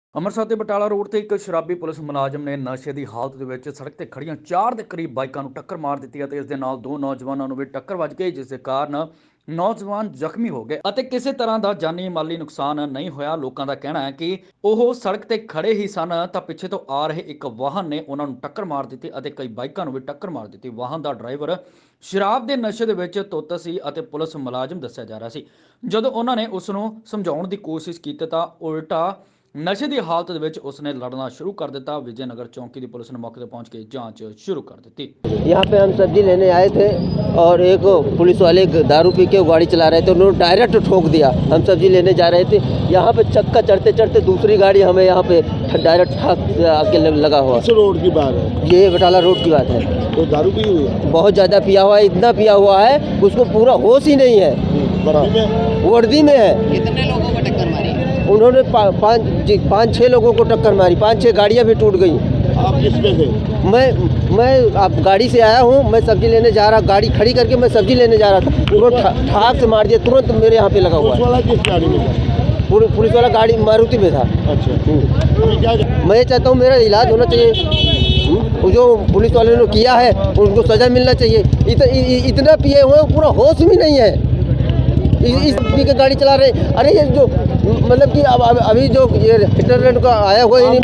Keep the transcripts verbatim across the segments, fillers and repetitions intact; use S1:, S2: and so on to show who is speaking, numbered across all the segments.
S1: ਅੰਮ੍ਰਿਤਸਰ ਦੇ ਬਟਾਲਾ ਰੋਡ ਤੇ ਇੱਕ ਸ਼ਰਾਬੀ ਪੁਲਿਸ ਮੁਲਾਜ਼ਮ ਨੇ ਨਸ਼ੇ ਦੀ ਹਾਲਤ ਦੇ ਵਿੱਚ ਸੜਕ ਤੇ ਖੜੀਆਂ ਚਾਰ ਦੇ ਕਰੀਬ ਬਾਈਕਾਂ ਨੂੰ ਟੱਕਰ ਮਾਰ ਦਿੱਤੀ ਅਤੇ ਇਸ ਦੇ ਨਾਲ ਦੋ ਨੌਜਵਾਨਾਂ ਨੂੰ ਵੀ ਟੱਕਰ ਵੱਜ ਗਈ, ਜਿਸ ਦੇ ਕਾਰਨ ਨੌਜਵਾਨ ਜ਼ਖਮੀ ਹੋ ਗਏ ਅਤੇ ਕਿਸੇ ਤਰ੍ਹਾਂ ਦਾ ਜਾਨੀ ਮਾਲੀ ਨੁਕਸਾਨ ਨਹੀਂ ਹੋਇਆ। ਲੋਕਾਂ ਦਾ ਕਹਿਣਾ ਹੈ ਕਿ ਉਹ ਸੜਕ ਤੇ ਖੜੇ ਹੀ ਸਨ ਤਾਂ ਪਿੱਛੇ ਤੋਂ ਆ ਰਹੇ ਇੱਕ ਵਾਹਨ ਨੇ ਉਹਨਾਂ ਨੂੰ ਟੱਕਰ ਮਾਰ ਦਿੱਤੀ ਅਤੇ ਕਈ ਬਾਈਕਾਂ ਨੂੰ ਵੀ ਟੱਕਰ ਮਾਰ ਦਿੱਤੀ। ਵਾਹਨ ਦਾ ਡਰਾਈਵਰ ਸ਼ਰਾਬ ਦੇ ਨਸ਼ੇ ਦੇ ਵਿੱਚ ਧੁੱਤ ਸੀ ਅਤੇ ਪੁਲਿਸ ਮੁਲਾਜ਼ਮ ਦੱਸਿਆ ਜਾ ਰਿਹਾ ਸੀ। ਜਦੋਂ ਉਹਨਾਂ ਨੇ ਉਸ ਨੂੰ ਸਮਝਾਉਣ ਦੀ ਕੋਸ਼ਿਸ਼ ਕੀਤੀ ਤਾਂ ਉਲਟਾ नशे की हालत दे विच उसने लड़ना शुरू कर दिता। विजयनगर चौकी की पुलिस ने मौके पर पहुंच के जांच शुरू कर दी।
S2: यहाँ पे हम सब्जी लेने आए थे और एक पुलिस वाले दारू पी के गाड़ी चला रहे थे, उन्होंने डायरेक्ट ठोक दिया। हम सब्जी लेने जा रहे थे, यहाँ पे चक्का चढ़ते चढ़ते दूसरी गाड़ी हमें यहाँ पे डायरेक्ट ठाक आके लगा हुआ।
S3: रोड की बात है,
S2: ये बटाला रोड की बात है।
S3: तो दारू पी हुई है,
S2: बहुत ज़्यादा पिया हुआ है, इतना पिया हुआ है उसको पूरा होश ही नहीं है।
S3: वर्दी में
S2: वर्दी में है।
S4: कितने लोगों को टक्कर मारी?
S2: उन्होंने पाँच पाँच छः लोगों को टक्कर मारी, पाँच छः गाड़ियाँ भी टूट गई।
S3: आप किस पे थे?
S2: मैं मैं आप गाड़ी से आया हूँ, मैं सब्जी लेने जा रहा, गाड़ी खड़ी करके मैं सब्जी लेने जा रहा था, तुरंत ठा, ठाक से मार दिया, तुरंत मेरे यहाँ पे लगा हुआ
S3: पुलिस वाला किस गाड़ी में था?
S2: है। पुलिस वाला गाड़ी मारुति में था।
S3: अच्छा, अभी क्या
S2: मैं चाहता हूँ मेरा इलाज होना चाहिए, जो पुलिस वाले ने किया है उनको सज़ा मिलना चाहिए। इत, इ, इतना पिए हुए पूरा होश भी नहीं है, इस पी के गाड़ी चला रहे। अरे ये जो मतलब कि अब अभी जो ये इंटरनेट का आया हुआ है,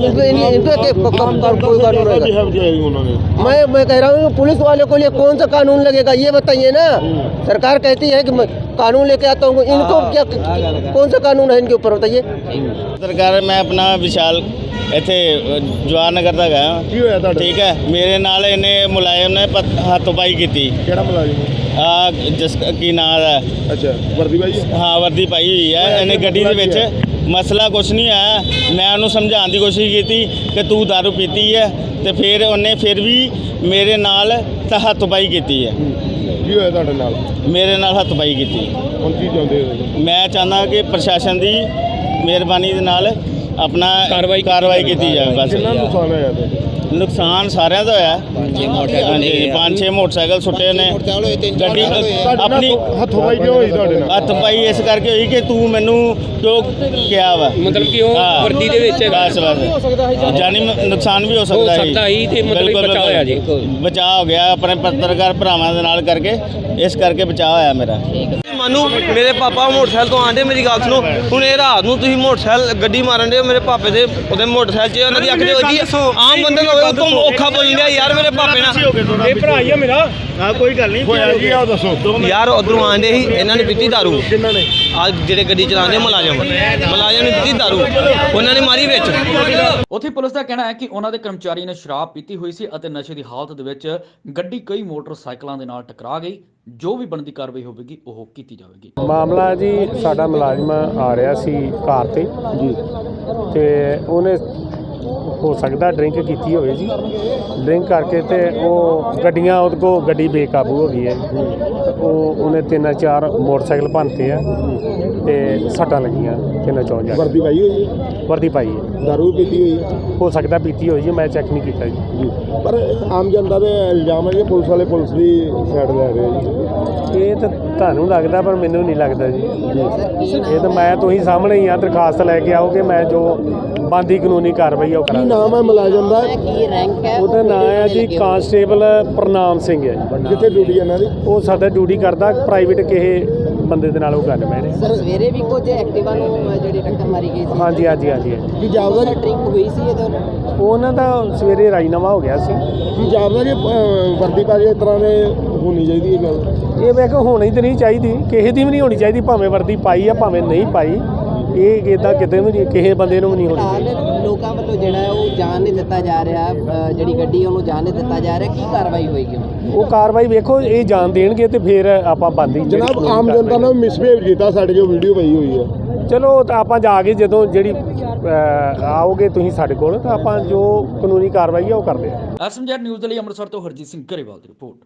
S2: कोई कानून रहेगा? मैं मैं कह रहा हूँ पुलिस वाले को लिए कौन सा कानून लगेगा ये बताइए ना। सरकार कहती है कि मैं कानून लेके आता हूँ, इनको क्या कौन सा कानून है इनके ऊपर बताइए।
S5: सरकार मैं अपना विशाल ਇੱਥੇ ਜਵਾਹਰ ਨਗਰ ਦਾ ਗਿਆ।
S3: ਕੀ ਹੋਇਆ ਤੁਹਾਡਾ?
S5: ਠੀਕ ਹੈ, ਮੇਰੇ ਨਾਲ ਇਹਨੇ ਮੁਲਾਜ਼ਮ ਨੇ ਹੱਥੋਂ-ਪਾਈ ਕੀਤੀ।
S3: ਕਿਹੜਾ ਮੁਲਾਜ਼ਮ?
S5: ਆ ਜਿਸ ਕੀ ਨਾਂ ਹੈ?
S3: ਅੱਛਾ, ਵਰਦੀ ਪਾਈ?
S5: ਹਾਂ, ਵਰਦੀ ਪਾਈ ਹੋਈ ਹੈ। ਇਹਨੇ ਗੱਡੀ ਦੇ ਵਿੱਚ ਮਸਲਾ ਕੁਛ ਨਹੀਂ ਆਇਆ। ਮੈਂ ਉਹਨੂੰ ਸਮਝਾਉਣ ਦੀ ਕੋਸ਼ਿਸ਼ ਕੀਤੀ ਕਿ ਤੂੰ ਦਾਰੂ ਪੀਤੀ ਹੈ ਤੇ ਫਿਰ ਉਹਨੇ ਫਿਰ ਵੀ ਮੇਰੇ ਨਾਲ ਤਾਂ ਹੱਥੋਂ-ਪਾਈ ਕੀਤੀ ਹੈ।
S3: ਕੀ ਹੋਇਆ ਤੁਹਾਡੇ ਨਾਲ?
S5: ਮੇਰੇ ਨਾਲ ਹੱਥੋਂ-ਪਾਈ ਕੀਤੀ।
S3: ਹੁਣ ਕੀ ਚਾਹੁੰਦੇ ਹੋ?
S5: ਮੈਂ ਚਾਹੁੰਦਾ ਕਿ ਪ੍ਰਸ਼ਾਸਨ ਦੀ ਮਿਹਰਬਾਨੀ ਦੇ ਨਾਲ ਆਪਣਾ ਕਾਰਵਾਈ ਕਾਰਵਾਈ ਕੀਤੀ ਜਾਵੇ। ਬਸ
S3: ਕਿੰਨਾ ਨੁਕਸਾਨ ਹੋਇਆ ਤੇ?
S5: ਨੁਕਸਾਨ ਸਾਰਿਆਂ ਦਾ ਹੋਇਆ। ਹਾਂਜੀ, ਪੰਜ ਛੇ ਮੋਟਰਸਾਈਕਲ ਸੁੱਟੇ ਨੇ। ਗੱਡੀ ਆਪਣੀ
S3: ਹੱਥੋਂ ਪਾਈ ਕਿਉਂ ਹੋਈ ਤੁਹਾਡੇ ਨਾਲ?
S5: ਹੱਥ ਪਾਈ ਇਸ ਕਰਕੇ ਹੋਈ ਕਿ ਤੂੰ ਮੈਨੂੰ ਕਿਉਂ ਕਿਹਾ ਵਾ,
S6: ਮਤਲਬ ਕਿ ਉਹ ਵਰਦੀ ਦੇ ਵਿੱਚ
S5: ਬਸ ਬਸ ਜਾਨੀ ਨੁਕਸਾਨ ਵੀ ਹੋ ਸਕਦਾ ਹੈ।
S6: ਤੇ ਮਤਲਬ ਬਚਾਅ ਹੋਇਆ ਜੀ,
S5: ਬਚਾਅ ਹੋ ਗਿਆ ਆਪਣੇ ਪੱਤਰਕਾਰ ਭਰਾਵਾਂ ਦੇ ਨਾਲ ਕਰਕੇ, ਇਸ ਕਰਕੇ ਬਚਾਅ ਹੋਇਆ ਮੇਰਾ।
S7: ਮਾਨੂੰ ਮੇਰੇ ਪਾਪਾ ਮੋਟਰਸਾਈਕਲ ਤੋਂ ਆਂਦੇ, ਮੇਰੀ ਗੱਲ ਸੁਣੋ। ਹੁਣ ਇਹ ਰਾਤ ਨੂੰ ਤੁਸੀਂ ਮੋਟਰਸਾਈਕਲ ਗੱਡੀ ਮਾਰਨ ਦੇ ਮੇਰੇ ਪਾਪੇ ਦੇ ਉਹਦੇ ਮੋਟਰਸਾਈਕਲ 'ਚ ਉਹਨਾਂ ਦੀ ਅੱਖ ਦੇ ਵੱਜੀ। ਆਮ ਬੰਦੇ ਨੂੰ ਹੋਵੇ ਉਤੋਂ ਔਖਾ ਬੋਲ ਰਿਹਾ ਯਾਰ ਮੇਰੇ ਪਾਪੇ ਨਾਲ।
S3: ਇਹ ਭਰਾ ਹੀ ਆ ਮੇਰਾ।
S5: ਹਾਂ, ਕੋਈ ਗੱਲ ਨਹੀਂ
S3: ਹੋਇਆ ਜੀ, ਆਓ ਦੱਸੋ।
S7: ਯਾਰ ਉਧਰੋਂ ਆਂਦੇ ਸੀ, ਇਹਨਾਂ ਨੇ ਪੀਤੀ ਦਾਰੂ।
S3: ਕਿੰਨਾਂ ਨੇ?
S7: ਆ ਜਿਹੜੇ ਗੱਡੀ ਚਲਾਉਂਦੇ ਮੁਲਾਜ਼ਮ ਮੁਲਾਜ਼ਮ ਨੇ ਪੀਤੀ ਦਾਰੂ, ਉਹਨਾਂ ਨੇ ਮਾਰੀ ਵਿੱਚ।
S1: ਉੱਥੇ ਪੁਲਿਸ ਦਾ ਕਹਿਣਾ ਹੈ ਕਿ ਉਹਨਾਂ ਦੇ ਕਰਮਚਾਰੀ ਨੇ ਸ਼ਰਾਬ ਪੀਤੀ ਹੋਈ ਸੀ ਅਤੇ ਨਸ਼ੇ ਦੀ ਹਾਲਤ ਦੇ ਵਿੱਚ ਗੱਡੀ ਕਈ ਮੋਟਰਸਾਈਕਲਾਂ ਦੇ ਨਾਲ ਟਕਰਾ ਗਈ। ਜੋ ਵੀ ਬਣਦੀ ਕਾਰਵਾਈ ਹੋਵੇਗੀ ਉਹ ਕੀਤੀ ਜਾਵੇਗੀ।
S8: ਮਾਮਲਾ ਜੀ, ਸਾਡਾ ਮੁਲਾਜ਼ਮ ਆ ਰਿਹਾ ਸੀ ਕਾਰ ਤੇ ਜੀ, ਤੇ ਉਹਨੇ ਹੋ ਸਕਦਾ ਡਰਿੰਕ ਕੀਤੀ ਹੋਵੇ ਜੀ। ਡਰਿੰਕ ਕਰਕੇ ਤੇ ਉਹ ਗੱਡੀਆਂ ਉਹਦੇ ਕੋਲ ਗੱਡੀ ਬੇਕਾਬੂ ਹੋ ਗਈ ਹੈ। ਉਹ ਉਹਨੇ ਤਿੰਨ ਚਾਰ ਮੋਟਰਸਾਈਕਲ ਭੰਨਤੇ ਆ ਤੇ ਸੱਟਾਂ ਲੱਗੀਆਂ ਤਿੰਨ ਚੌਂ ਜਾ।
S3: ਵਰਦੀ ਪਾਈ ਹੋਈ ਹੈ?
S8: ਵਰਦੀ ਪਾਈ ਹੈ।
S3: ਦਾਰੂ ਪੀਤੀ ਹੋਈ ਹੈ?
S8: ਹੋ ਸਕਦਾ ਪੀਤੀ ਹੋਈ ਜੀ, ਮੈਂ ਚੈੱਕ ਨਹੀਂ ਕੀਤਾ ਜੀ।
S3: ਪਰ ਆਮ ਜਨਤਾ ਦੇ ਇਲਜ਼ਾਮ ਹੈ ਕਿ ਪੁਲਿਸ ਵਾਲੇ ਪੁਲਿਸ ਦੀ ਸਾਈਡ ਲੈ ਰਹੇ ਜੀ।
S8: ਇਹ ਤਾਂ ਤੁਹਾਨੂੰ ਲੱਗਦਾ, ਪਰ ਮੈਨੂੰ ਨਹੀਂ ਲੱਗਦਾ ਜੀ। ਇਹ ਤਾਂ ਮੈਂ ਤੁਸੀਂ ਸਾਹਮਣੇ ਹੀ ਆ, ਦਰਖਾਸਤ ਲੈ ਕੇ ਆਓਗੇ, ਮੈਂ ਜੋ ਬਣਦੀ ਕਾਨੂੰਨੀ ਕਾਰਵਾਈ ਉਹ
S3: ਕੀ
S8: ਕਰਾਂਗਾ।
S3: ਨਾਮ ਹੈ ਮੁਲਾਜ਼ਮ ਦਾ?
S4: ਕੀ ਰੈਂਕ ਹੈ
S8: ਉਹਦਾ ਨਾਮ ਹੈ ਜੀ ਕਾਂਸਟੇਬਲ ਪ੍ਰਨਾਮ ਸਿੰਘ ਹੈ ਜੀ।
S3: ਕਿੱਥੇ ਡਿਊਟੀ ਇਹਨਾਂ ਦੀ?
S8: ਉਹ ਸਾਡਾ ਡਿਊਟੀ ਕਰਦਾ ਪ੍ਰਾਈਵੇਟ ਕਿਸੇ ਬੰਦੇ ਦੇ ਨਾਲ ਉਹ ਗੱਲ ਬਹਿ ਰਹੇ।
S4: ਸਰ ਸਵੇਰੇ ਵੀ ਕੁਝ ਐਕਟਿਵਾ ਨੂੰ ਜਿਹੜੀ ਟੱਕਰ ਮਾਰੀ ਗਈ ਸੀ?
S8: ਹਾਂਜੀ ਹਾਂਜੀ ਹਾਂਜੀ ਹਾਂਜੀ।
S3: ਕੀ ਜਾਪਦਾ ਜੀ?
S4: ਡਰਿੰਕ ਹੋਈ ਸੀ ਇਹਦੇ ਨਾਲ?
S8: ਉਹਨਾਂ ਦਾ ਸਵੇਰੇ ਰਾਜੀਨਾਮਾ ਹੋ ਗਿਆ ਸੀ।
S3: ਕੀ ਜਾਪਦਾ ਜੀ ਵਰਦੀ ਪਾ ਕੇ ਇਸ ਤਰ੍ਹਾਂ ਦੇ ਹੋਣੀ ਚਾਹੀਦੀ ਇਹ ਗੱਲ?
S8: ਇਹ ਮੈਂ ਕਿਹਾ ਹੋਣੀ ਤਾਂ ਨਹੀਂ ਚਾਹੀਦੀ, ਕਿਸੇ ਦੀ ਵੀ ਨਹੀਂ ਹੋਣੀ ਚਾਹੀਦੀ, ਭਾਵੇਂ ਵਰਦੀ ਪਾਈ ਆ ਭਾਵੇਂ ਨਹੀਂ ਪਾਈ। ਇਹ ਇੱਦਾਂ ਕਿਤੇ ਵੀ ਨਹੀਂ, ਕਿਸੇ ਬੰਦੇ ਨੂੰ ਵੀ ਨਹੀਂ ਹੋਣੀ ਚਾਹੀਦੀ।
S4: ਲੋਕਾਂ ਵੱਲੋਂ ਜਿਹੜਾ ਹੈ ਉਹ ਜਾਣ ਨਹੀਂ ਦਿੱਤਾ ਜਾ ਰਿਹਾ, ਜਿਹੜੀ ਗੱਡੀ ਉਹਨੂੰ ਜਾਣ ਨਹੀਂ ਦਿੱਤਾ ਜਾ ਰਿਹਾ, ਕੀ ਕਾਰਵਾਈ ਹੋਏਗੀ?
S8: ਉਹ ਕਾਰਵਾਈ ਵੇਖੋ, ਇਹ ਜਾਣ ਦੇਣਗੇ ਤੇ ਫਿਰ ਆਪਾਂ ਬੰਦੀ।
S3: ਜਨਾਬ, ਆਮ ਜਨਤਾ ਨੇ ਮਿਸਬਿਹੇਵ ਕੀਤਾ, ਸਾਡੇ ਜੋ ਵੀਡੀਓ ਪਈ ਹੋਈ ਹੈ।
S8: ਚਲੋ ਤਾਂ ਆਪਾਂ ਜਾ ਕੇ ਜਦੋਂ ਜਿਹੜੀ ਆਓਗੇ ਤੁਸੀਂ ਸਾਡੇ ਕੋਲ, ਤਾਂ ਆਪਾਂ ਜੋ ਕਾਨੂੰਨੀ ਕਾਰਵਾਈ ਆ ਉਹ ਕਰਦੇ ਆ।
S1: ਐਸਐਮਜੈਡ ਨਿਊਜ਼ ਦੇ ਲਈ ਅੰਮ੍ਰਿਤਸਰ ਤੋਂ ਹਰਜੀਤ ਸਿੰਘ ਗਰੇਵਾਲ ਦੀ ਰਿਪੋਰਟ।